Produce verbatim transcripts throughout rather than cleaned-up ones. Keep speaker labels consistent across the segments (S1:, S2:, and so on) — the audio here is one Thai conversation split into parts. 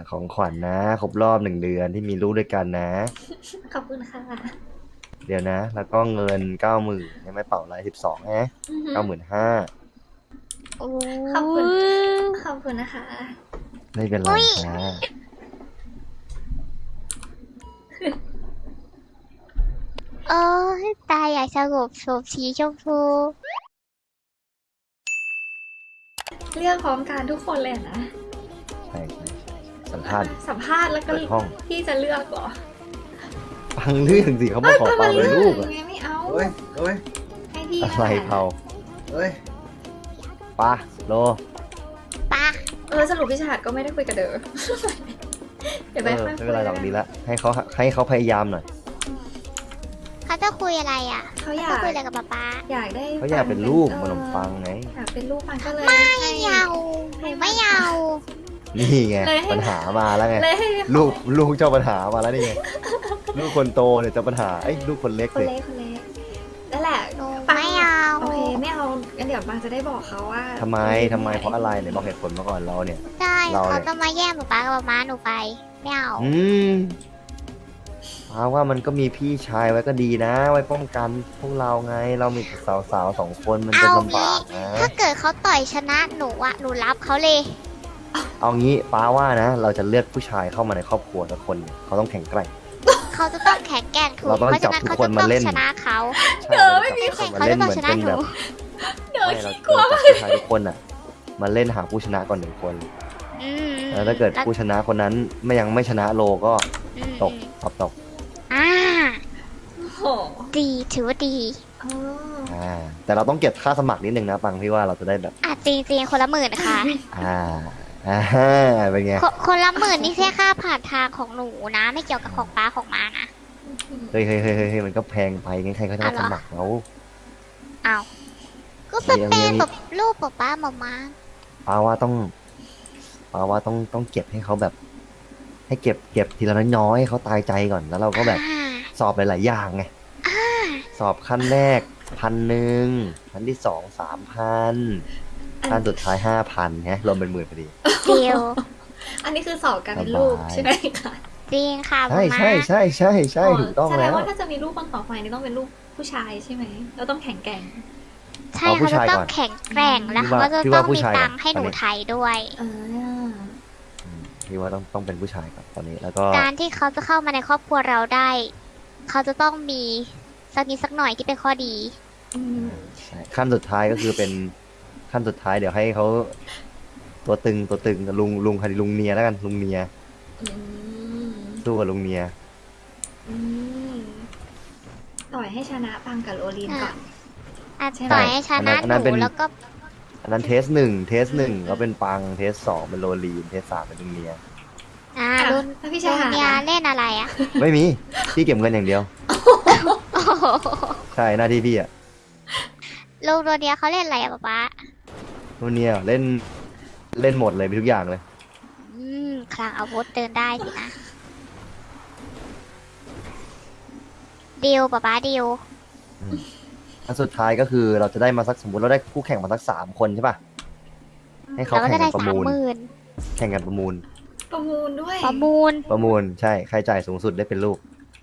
S1: ของขวัญนะครบรอบหนึ่งเดือนที่มีลูกด้วยกันนะ
S2: ขอบคุณค่ะ
S1: เดี๋ยวนะ แล้วก็เงินเก้าหมื่นยังไม่เป่าไรสิบสองฮะ
S2: อือหือ
S1: เก้าหมื่นห้า
S3: โอ้
S2: ขอบคุณ ขอบคุณนะคะ
S1: ไม่เป็นไรค่ะ
S3: เออตาอยากสงบสมสีชมพู
S2: เรียกพร้อมกันทุกคนเลยนะ
S1: ใช่ใช่ใช่สัมภาษณ์
S2: สัมภาษณ์แล้วก็
S1: เปิดห้อง
S2: พี่จะเลือกเหรอ
S1: ฟังเรื่องสิเขามาขอเป่าเป็นลูกอะ
S2: ไงไม่เอา
S4: เฮ้ยเฮ้ย
S2: ให้พี่
S1: อะไร
S2: นั่นแหละ
S1: เผา
S4: เฮ้ย
S1: ปะโล
S3: ปะ
S2: เออสรุปพี่ชาติก็ไม่ได้คุยกับเดอ เดี๋ยว
S1: เอ
S2: ไป
S1: อ
S2: ค่อย
S1: ไม่
S2: คุ
S1: เป็น
S2: ย
S1: ไรหรอกดีละให้เขาให้เขาพยายามหน่อย
S3: เขาจะคุยอะไรอ่ะ
S2: เขาอยา
S3: เขา
S2: ก
S3: คุยอะไรกับป๊าป๊า
S2: อยากได้
S1: เขาอยากเป็นลูก
S2: ออ
S1: ขนมปังไง
S2: อยากเป็นลูกปังก็เลย
S3: ไม่
S2: ให้
S3: เอาไม่เอา
S1: นี่ไง
S2: เลยให้
S1: ปัญหามาแล้วไง
S2: เลยให้
S1: ลูกลูกเจ้าปัญหามาแล้วนี่ไงลูกคนโตเนี่ยเจ้าปัญหาไอ้ยลูกคนเล็ก
S2: คน
S1: สิ
S2: เล็กคนเล็กนั่นแหละ
S3: หนู
S2: ปัง
S3: ไม่เอา
S2: โอเคไม่เอางั้นเดี๋ยวปังจะได้บอกเขาว่า
S1: ทำไมทำไมเพราะอะไรเนี่ยบอกเหตุผลมาก่อนเราเนี่ย
S3: ใช่
S1: เราเนี่ย
S3: เขาจะมาแย่งป๊าป๊ากับป๊าม้าหนูไปไม่เอา
S1: อืมอาว่ามันก็มีพี่ชายไว้ก็ดีนะ ไว้ป้องกันพวกเราไง เรามีสาวสาวๆสองคนมันจะ
S3: เอา
S1: ลำ
S3: งี้
S1: บากนะ
S3: ถ้าเกิดเขาต่อยชนะหนูอ่ะหนูรับเขาเลย
S1: เอางี้ป้าว่านะ เราจะเลือกผู้ชายเข้ามาในครอบครัวสักคนเนี่ยเขาต้องแข็งแกร่ง
S3: เขาจะต้องแข็งแกร่งถูก
S1: เราต้อง
S3: เพราะฉะนั้น
S1: จับทุ
S3: เขา
S1: กคน
S3: จะ
S1: มา
S3: ต้อง
S1: เล่น
S3: ชนะเขา
S1: ใช่เราจะจับทุกคนมา
S3: เขา
S1: เล่
S3: จะ
S1: น
S3: ต้อง
S1: เหมือน
S3: ชนะ
S1: เป็น
S3: ห
S1: แบ
S3: นู
S1: บ
S2: เดี๋ยว
S1: ไม่เรา
S2: ขี้กลัว
S1: เราจับผู้ชายทุกคนอ่ะ มาเล่นหาผู้ชนะก่อนหนึ่งคน
S3: อืม
S1: แล้วถ้าเกิดผู้ชนะคนนั้นไม่ยังไม่ชนะโลก็
S3: อืม
S1: ตกตอบตก
S3: อ่า
S2: โอ้โห
S3: ดีถือว่าดี
S2: อ๋อ
S1: อ่าแต่เราต้องเก็บค่าสมัครนิดนึงนะปังพี่ว่าเราจะได้แบบ
S3: อ่ะจริงจริงๆคนละหมื่นค่ะ
S1: อ่าอ่าเป็นไง
S3: คนคนละหมื่นนี่แค่ค่าผ่านทางของหนูนะ ไม่เกี่ยวกับของป้าของมานะ
S1: เฮ้ยเฮ้ยเฮ้ยเฮ้ยมันก็แพงไปงั้นใครเขาจะมาสมัครเรา
S3: เอาก็สเปรย์แบบรูปป๊าป้ามามา
S1: ป้าว่าต้องป้าว่าต้องต้องเก็บให้เขาแบบ ให้เก็บเก็บทีละน้อยๆให้เขาตายใจก่อนแล้วเราก็แบบ
S3: อ่า
S1: สอบหลายๆอย่างไงสอบขั้นแรกพันหนึ่งขั้นที่สองสามพันขั้นสุดท้ายห้าพันฮะรวมเป็นหมื่นพอดี
S3: เดียว
S2: อันนี้คือสอบการเป็นลูก
S1: สบาย
S2: ใช่ไหมคะ
S3: จริงค่ะ
S1: ใช่
S3: มา
S1: ใช่ใช่ใช่ใช่ถูกต้อง
S2: แสด
S1: แล้
S2: ง
S1: ว
S2: ว่าถ้าจะมีลูกคนต่อไปนี่ต้องเป็นลูกผู้ชายใช่ไหมเราต้องแข็งแกร่ง
S3: ใช่
S1: เอาผู้
S3: เขาจะ
S1: ชาย
S3: ต้อ
S1: ก่
S3: ง
S1: อน
S3: แข็งแกร่งแล้ว
S1: พี่
S3: เขา
S1: ว่า
S3: ก็จะ
S1: พี่
S3: ต้
S1: ว่า
S3: อง
S1: ผู้
S3: มี
S1: ชาย
S3: ตังค์ให้
S1: ก่อน
S3: หนู
S1: ตอนนี้
S3: ไทยด้วย
S2: เออ
S1: อืมพี่ว่าต้องต้องเป็นผู้ชายก่อนตอนนี้แล้วก็
S3: การที่เขาจะเข้ามาในครอบครัวเราได้ เขาจะต้องมีสักนิดสักหน่อยที่เป็นข้อดี
S2: อืม
S1: ใช่ขั้นสุดท้ายก็คือเป็นขั้นสุดท้ายเดี๋ยวให้เขาตัวตึงตัวตึงลุงลุงใครดีลุงเนียแล้วกันลุงเนีย
S2: อืม
S1: สู้กับลุงเนีย
S2: อืมต่อยให้ชนะปังกับโรลินก่อน
S3: อาจ
S2: ใช่ไหม
S3: ต่อยให้ชนะ
S1: อัน
S3: ห
S1: นั้น
S3: นู
S1: เป็น
S3: แล้วก็
S1: อันนั้นเทสหนึ่งเทสหนึ่งก็เป็นปังเทสสองเป็นโรลีนเทสสามเป็นลุงเนีย
S3: อ่า
S2: อ่ะ
S3: รุ่น
S2: แล้วพี่
S3: รุ่
S2: ชาน
S3: ยาเล่นอะไรอ่ะ
S1: ไม่มีพี่เก็บเงินอย่างเดียว
S3: โอ้โห
S1: ใช่หน้าที่พี่อะ
S3: ลุงตัวเนี้ยเขาเล่นอะไรอะป๊าป๊า
S1: ลุงเนียเล่นเล่นหมดเลยมีทุกอย่างเลย
S3: อืมคลังอาวุธเดินได้สินะดิวป๊าป๊าดิว
S1: อันสุดท้ายก็คือเราจะได้มาสักสมมติเราได้คู่แข่งมาสักสามคนใช่ป่ะให้เขา
S3: เราก็
S1: แข่
S3: จะ
S1: ง
S3: ได้
S1: กันประ
S3: สาม
S1: มูล
S3: หมื่น
S1: แข่งกันประมูล
S2: ประมูลด้วย
S3: ประมูล
S1: ประมูลใช่ใครจ่ายสูงสุดได้เป็นลูก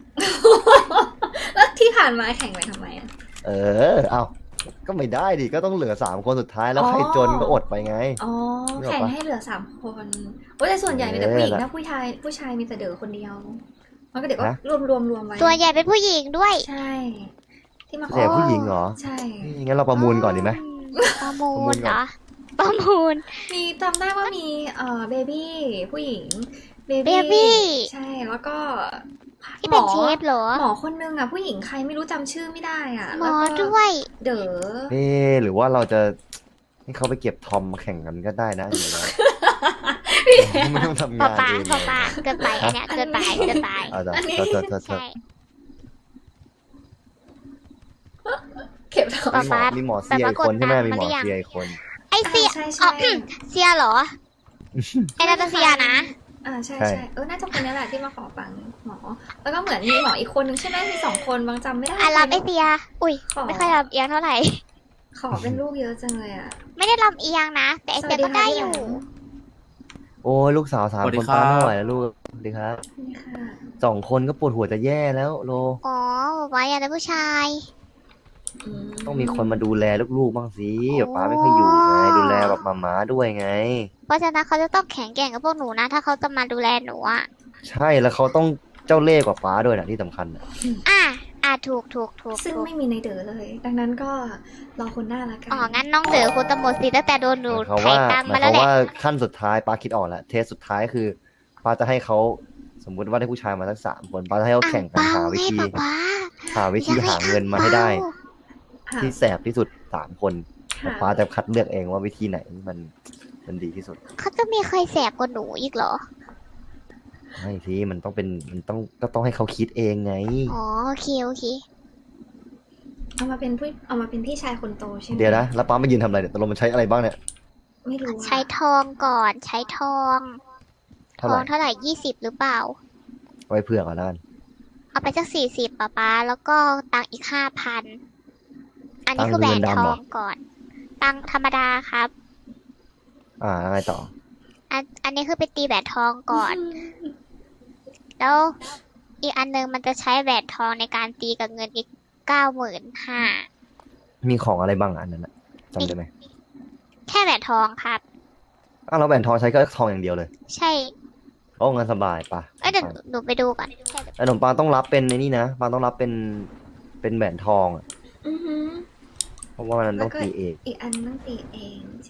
S2: แล้วที่ผ่านมาแข่งไปทำไมอ่ะ
S1: เออ เอาก็ไม่ได้ดิ ก็ต้องเหลือสามคนสุดท้ายแล้ว
S2: อ๋อ
S1: ใครจนก็อดไปไง
S2: อ๋อ
S1: นึกออก
S2: แข่ง
S1: ปะ
S2: ให้เหลือสามคนโอ้ยแต่ส่วนใหญ่มีแต่ผู้หญิง
S1: เออ
S2: นะผู้ชายผู้ชายมีแต่เด๋อคนเดียวมันก็เดี๋ยวก็
S1: ฮะ
S2: รวมรวมรวมไว้
S3: ตัวใหญ่เป็นผู้หญิงด้วย
S2: ใช่ ที่มาข
S1: แต่
S2: อ
S1: ผู้หญิงเหรอ
S2: ใช่
S1: งั้นเราประมูลก่อนดีไหม
S3: ประมู
S1: ประมู
S3: ล
S1: ล
S3: เห
S1: ก่
S3: ร
S1: อ
S3: อน ประมูล
S2: มีจำได้ว่ามีเอ่อเบบี้ผู้หญิงเบ
S3: เบบี้
S2: ใช่แล้วก็
S3: ที่เป็น
S2: หมอ
S3: เชฟเหรอ
S2: หมอคนนึงอ่ะผู้หญิงใครไม่รู้จำชื่อไม่ได้อ่ะ
S3: หมอ
S2: แล้วก็
S3: ด้วย
S2: เด๋อ
S1: เอ๊ะหรือว่าเราจะให้เขาไปเก็บทอมมาแข่งกันก็ได้นะเดี๋ยวเราไม่ต้องทำา
S3: ป๊างป๊า
S1: เอง
S3: ป๊าป๊าเกินไปอันเนี้ยเกินไปเกินไป
S1: เอาจ้ะโทษโทษโทษโทษ
S3: ใช่
S2: เข็บทอง
S3: ป๊า
S1: มีหมอมีหมอเซียอีกคนใช่ไหมมีหมอเซียอีกคน
S3: ไอเสีย
S2: ใช่
S3: อ๋
S2: ใช่
S3: อ เสียเหรอไอนาตาเซียนะ
S2: อ่าใช่
S1: ใช่
S2: ใช่เออน่าจะคนนี้แหละที่มาขอปังหมอ แล้วก็เหมือนมีหมออีกคนนึงใช่ไหมมีสองคนบางจำไม่ได้
S3: อ่ะรับไอเสีย อุ้ย
S2: ขอ
S3: ไม่ค่อยรับเอียงเท่าไหร่
S2: ขอเป็นลูกเยอะจังเลยอ่ะ
S3: ไม่ได้ลำเอียงนะ แต่ไอเสียก็ได้อยู่
S1: โอ้ยลูกสาวสาม
S4: สวัส
S1: ค
S4: ดี
S1: น
S4: ครั
S1: ป้า
S4: บ
S1: ไม่ไหวแล้วลูกสวัสดีครับ
S2: นี่ค่ะ
S1: สองคนก็ปวดหัวจะแย่แล้วโล
S3: อ๋อบอกว่าอยากได้ผู้ชาย
S1: ต้องมีคนมาดูแลลูกๆบ้างสิ
S3: โอ้
S1: ป้าไม่ค่อยอยู่ไงดูแลแบบมาม้าด้วยไง
S3: เพราะฉะนั้นเขาจะต้องแข็งแกร่งกับพวกหนูนะ ถ้าเขาจะมาดูแลหนูอ่ะ
S1: ใช่แล้วเขาต้องเจ้าเล่ห์กว่าป้าด้วยนะที่สำคัญน่ะ
S3: อ่ะ อ่ะ ถูกถูกถูก
S2: ซึ่ง
S3: ถูก
S2: ไม่มีในเด๋อเลย ดังนั้นก็รอคนหน้าละกัน
S3: อ๋อ งั้นน้องเด๋อคุณตำรวจสิตั้งแต่โดนหนู
S1: หมายความ
S3: ไถ่
S1: ว่า
S3: ตาม
S1: หมาม
S3: าย
S1: ค
S3: แล้ว
S1: วาม
S3: แหละ
S1: ว่าขั้นสุดท้ายป้าคิดออกแล้วเทสสุดท้ายคือป้าจะให้เขาสมมุติว่าได้ผู้ชายมาสักสามคนป้าจะให้เขา
S3: อ่าง
S1: แข่งกัน
S3: เปา
S1: หาวิ
S3: ไง
S1: ธี
S3: ป๊าป๊า
S1: หาวิธีหาเงินมาให้ได้
S2: ค่ะ
S1: ที่แสบที่สุดสามคน
S2: ค่ะ
S1: ป้าจะคัดเลือกเองว่าวิธีไหนมันมันดีที่สุด
S3: เขาจะมีใครแสบกว่าหนูอีกเหรอ
S1: ไม่สิมันต้องเป็นมันต้องก็ต้องให้เขาคิดเองไง
S3: อ๋อ โอเค โอเค
S2: เอามาเป็นผู้เอามาเป็นพี่ชายคนโตใช่ไหม
S1: เดี๋ยวนะแล้วป้ามายืนทำอะไรเนี่ยตกลงมันใช้อะไรบ้างเนี่ย
S2: ไม่รู้อะ
S3: ใช้ทองก่อน ใช้ทอง ท
S1: เท่า
S3: อ
S1: ไหร่
S3: งเท่าไหร่ยี่สิบหรือเปล่า
S1: ไว้เผื่อก่อนแล้วกัน
S3: เอาไปสักสี่สิบป๊าป๊า แล้วก็ตังค์อีกห้าพัน อันนี้
S1: ตังค์
S3: คือแหวน
S1: เงิน
S3: ท
S1: ดำเหร
S3: อ
S1: อ
S3: งก่อน ตังค์ธรรมดาครับ
S1: อ่าแล้วไงต่อ
S3: อัน อันนี้คือไปตีแหวนทองก่อน แล้วอีกอันนึงมันจะใช้แหวนทองในการตีกับเงินอีกเก้าหมื่นห้า
S1: มีของอะไรบ้างอันนั้นน่ะจำได้ไหม
S3: แค่แหวนทองครับ
S1: อ้าวแล้วแหวนทองใช้ก็ทองอย่างเดียวเลย
S3: ใช่
S1: โอ้งั้นสบายปะ
S3: เอ้ยเดี๋ยวหนูไปดูก่อนแค่
S1: แต่ขนมปังต้องรับเป็นในนี่นะปังต้องรับเป็นเป็นแหวนทองอะ
S2: อือหือ
S1: เพราะว่ามันต้องตีเอง
S2: อีกอันต้องตีเอง ใช่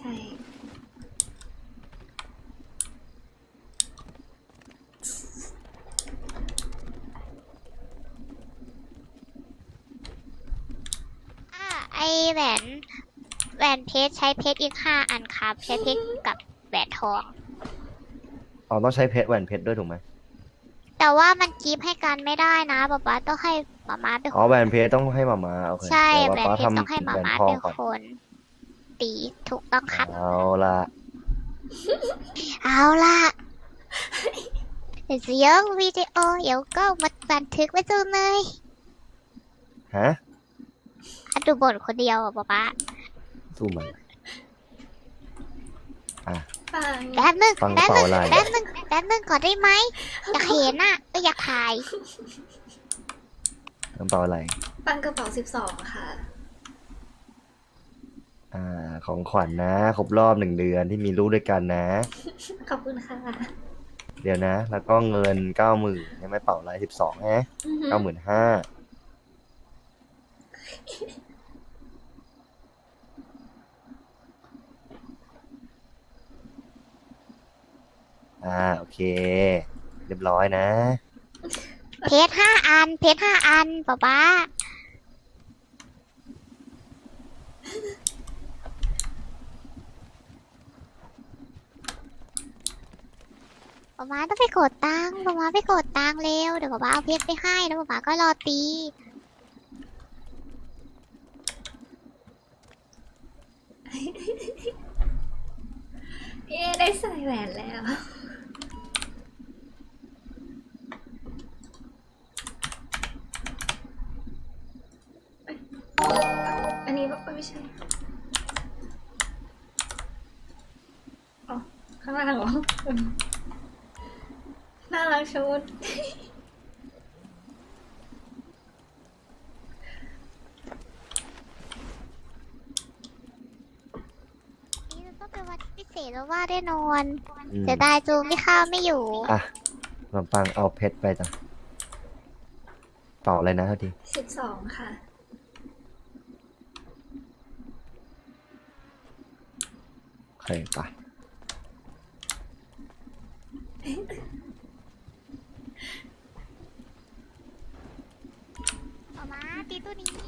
S3: อ่าไอแหวนแหวนเพชรใช้เพชรอีกห้าอันครับ ใช้เพชรกับแหวนทอง
S1: อ๋อต้องใช้เพชรแหวนเพชรด้วยถูกไหม
S3: แต่ว่ามันกีบให้กันไม่ได้นะป๊าป๊าต้องให้หมาม้าเป็น
S1: อ๋อ
S3: ค
S1: แหวน นเพชรต้องให้มามาโอเค
S3: ใช่
S1: แต่
S3: แหว
S1: ว่าน ป้า
S3: เพชรต้อง
S1: ทำ
S3: ให้หมา
S1: แหวน
S3: ม้า
S1: ทอง
S3: เป็น
S1: ก่อน
S3: คน ตีถูกต้องครับ
S1: เอาละ
S3: เอาล่ะเสียงวิดีโอเดี๋ยวก็มาบันทึกไว้จูเลย
S1: ฮะ
S3: อ่ะดูบ่นคนเดียวอ่ะป๊าป๊า
S1: สู้มันอ่ะ
S2: ฟัง
S3: แป๊บนึง
S1: ฟัง
S3: แป๊บ
S1: เป่า
S3: นึง
S1: อะไร
S3: แป๊บนึงแป๊บนึงก่อนได้ไหมอยากเห็นอ่ะก็อยากถ่าย
S1: น้ำเปล่าอะไร
S2: ปังกระเป๋าสิบสองค่ะ
S1: อ่า ของขวัญนะครบรอบหนึ่งเดือนที่มีลูกด้วยกันนะ
S2: ขอบคุณค่ะ
S1: เดี๋ยวนะ แล้วก็เงินเก้าหมื่นยังไม่เป่าอะไรสิบสองฮะ
S2: อือหือ
S1: เก้าหมื่นห้าอ่าโอเค เรียบร้อยนะ
S3: เพชรห้าอัน เพชรห้าอันป๊าป๊าป๊าป๊าต้องไปกดตังค์ป๊าป๊าไปกดตังค์เร็ว เดี๋ยวป๊าป๊าเอาเพชรไปให้แล้วป๊าป๊าก็รอตี
S2: เย้ได้ใส่แหวนแล้ว อันนี้ไม่ใช่ อ๋อ ข้างล่างเหรอ น่ารักชุด
S3: นี่จะต้องเป็นวันที่พิเศษแล้วว่าแน่นอน
S1: อืม
S3: จะได้จูงที่ข้าวไม่อยู่
S1: อ่ะขนมปังเอาเพชรไปจ้ะเป่าอะไรนะเท่าที
S2: สิบสองค่ะ
S1: โอเคไป
S3: ป๊าป๊าตีตัวนี้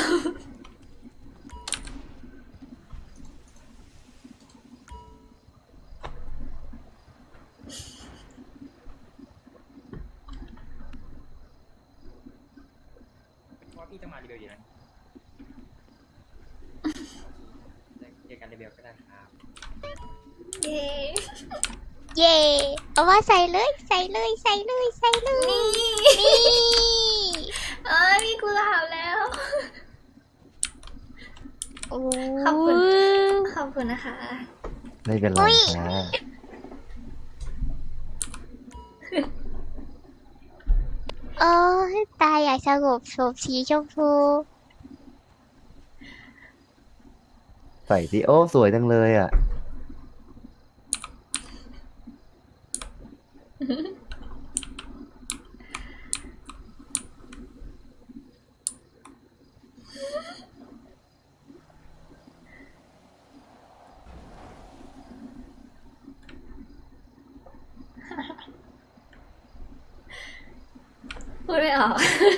S4: ว่าพี่จะมารีวิวอยู่นะเจอกันรีวิวก็ได้ครับ
S2: เย้
S3: เย่เอาว่าใส่เลย ใส่เลย ใส่เลย ใส่เลย
S2: นี่
S3: นี่
S2: เอ้ยมีกุหลาบแล้ว
S3: โอ้
S2: ขอบคุณ ขอบคุณนะคะ
S1: ไม่เป็นไร
S3: อุ๊ย
S1: ค่ะ
S3: โอ้ยตายอยากสงบสมสีชมพู
S1: ใส่สิโอ้สวยจังเลยอ่ะ
S2: พูดไม่ออก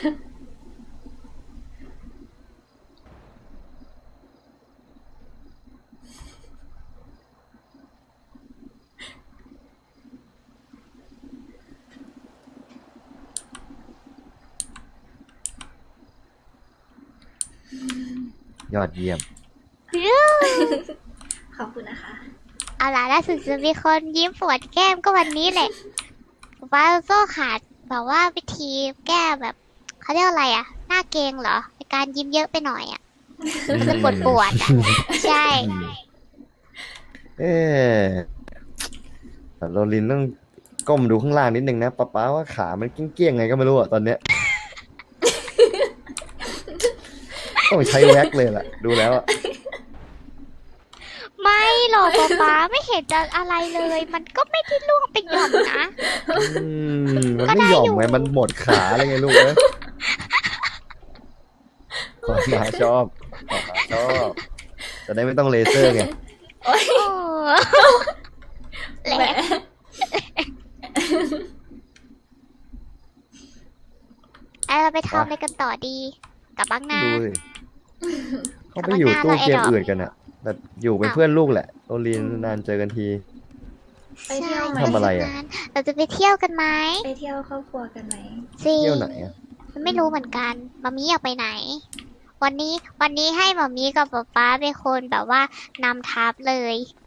S1: ยอดเยี่ยม
S2: ขอบคุณนะคะ
S3: เอาล่ะล่าสุดจะมีคนยิ้มปวดแก้มก็วันนี้แหละว่าโซ่ขาดแบบว่าวิธีแก้แบบเขาเรียกอะไรอะหน้าเกรงเหรอในการยิ้มเยอะไปหน่อยอะมันจะปวดปวดๆอะใช่
S1: เอ๊ะแต่โรลินต้องก้มดูข้างล่างนิดนึงนะป๊าป๊าว่าขามันเกี้ยงๆไงก็ไม่รู้อะตอนเนี้ย ต้องใช้แว็กเลยล่ะ ดูแล้วอะ
S3: ไม่หรอกป๊าป๊าไม่เห็นจะอะไรเลย มันก็ไม่ได้ล่วงไปหย่อมนะ
S1: อืมมัน
S3: ก็
S1: ไม่
S3: ได้
S1: หย่อม
S3: อยู่
S1: ไงมันหมดขาอะไรไงลูกเอ้ยป๊าป๊าชอบป๊าป๊าชอบจะได้ไม่ต้องเลเซอร์ไง
S3: โอ้แหล
S2: แหม
S3: มไอเราไปทำอะไรกันต่อดีกลับบางนา
S1: ดูสิเขาไปอยู่ตู้เกมอื่นกันอะแต่อยู่เป็นเพื่อนลูกแหละโรลินนานเจอกันที
S2: ไปเที่ยวไหม
S1: ทำอะไรอะ
S3: เราจะไปเที่ยวกันไหม
S2: ไปเที่ยวครอบครัวกันไหม
S3: สิ
S1: เที่ยวไหนอะ
S3: มันไม่รู้เหมือนกันมามีอยากไปไหน วันนี้วันนี้ให้มามีกับป๊าป๊าเป็นคนแบบว่านำทัพเลย